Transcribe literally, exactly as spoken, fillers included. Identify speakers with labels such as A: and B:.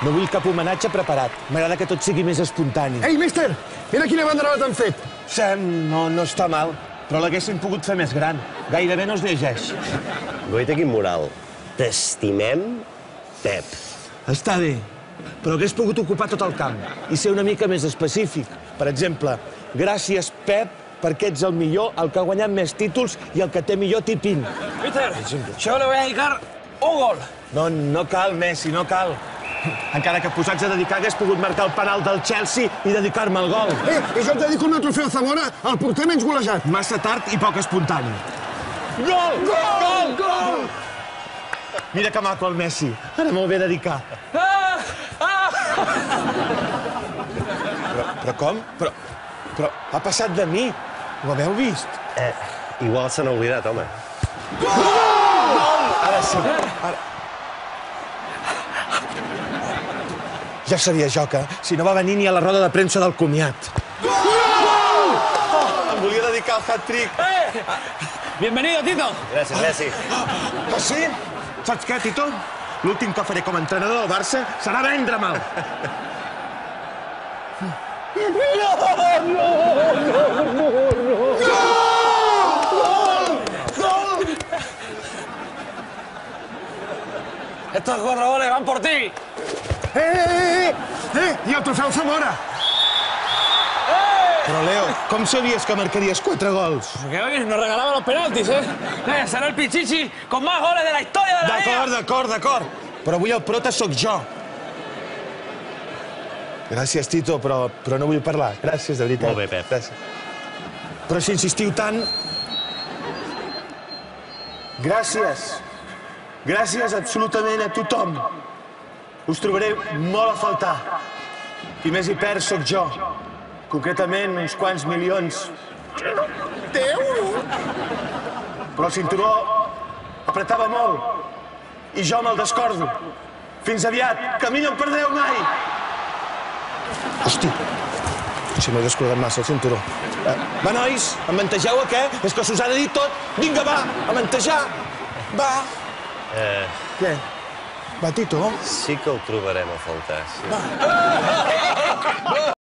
A: No vull cap homenatge preparat. M'agrada que tot sigui més espontani.
B: Ei, míster, mira quina banderada t'han fet.
A: Sam, no, no està mal, però l'haguessin pogut fer més gran. Gairebé no es llegeix.
C: Goita, quin moral. T'estimem, Pep.
A: Està bé, però hagués pogut ocupar tot el camp i ser una mica més específic. Per exemple, gràcies, Pep, perquè ets el millor, el que ha guanyat més títols i el que té millor tipín.
D: Mister, yo le voy a dedicar un gol.
A: No, no cal, Messi, no cal. Encara que posats a dedicar hagués pogut marcar el penal del Chelsea i dedicar-me al gol.
B: Eh, i jo et dedico una trofeu Zamora al porter menys golejat.
A: Massa tard i poc espontani.
B: Gol! Gol! Gol!
A: Mira que maco el Messi. Ara me'l ve dedicar.
D: Ah! Ah!
A: Però, però com? Però, però ha passat de mi. Ho haveu vist?
C: Eh, igual se n'ha oblidat, home.
A: Gol! Ara sí. Ara... Ja sabia jo que, si no va venir ni a la roda de premsa del comiat. Gol! Em volia dedicar al hat-trick.
D: Eh! Bienvenido, Tito.
C: Gràcies, Messi.
A: Ah, sí? Saps què, Tito? L'últim que faré com a entrenador del Barça serà vendre-me'l.
D: Estos cuatro goles van por ti.
B: Eh, eh, eh! Eh, i el trofeu Zamora.
A: Però, Leo, com sabies que marcaries quatre gols?
D: Que hoy nos regalaba los penaltis, ¿eh? eh será el Pichichi con más goles de la historia de la liga.
A: D'acord, d'acord, d'acord. Però avui el prota sóc jo. Gràcies, Tito, però, però no vull parlar. Gràcies, de veritat.
C: Molt bé, Pep.
A: Gràcies. Però si insistiu tant... Gràcies. Gràcies absolutament a tothom. Us trobaré molt a faltar. Qui més hi perd sóc jo. Concretament, uns quants milions. D'euros? Però el cinturó apretava molt. I jo me'l descordo. Fins aviat. Que a mi no em perdreu mai. Hosti. Si m'he descordat massa el cinturó. Eh, va, nois, em mantegeu a què? És que s'us ha de dir tot. Vinga, va, a mantejar. Va.
C: Eh,
A: Què? Va, Tito?
C: sí que el trobarem a faltar, sí.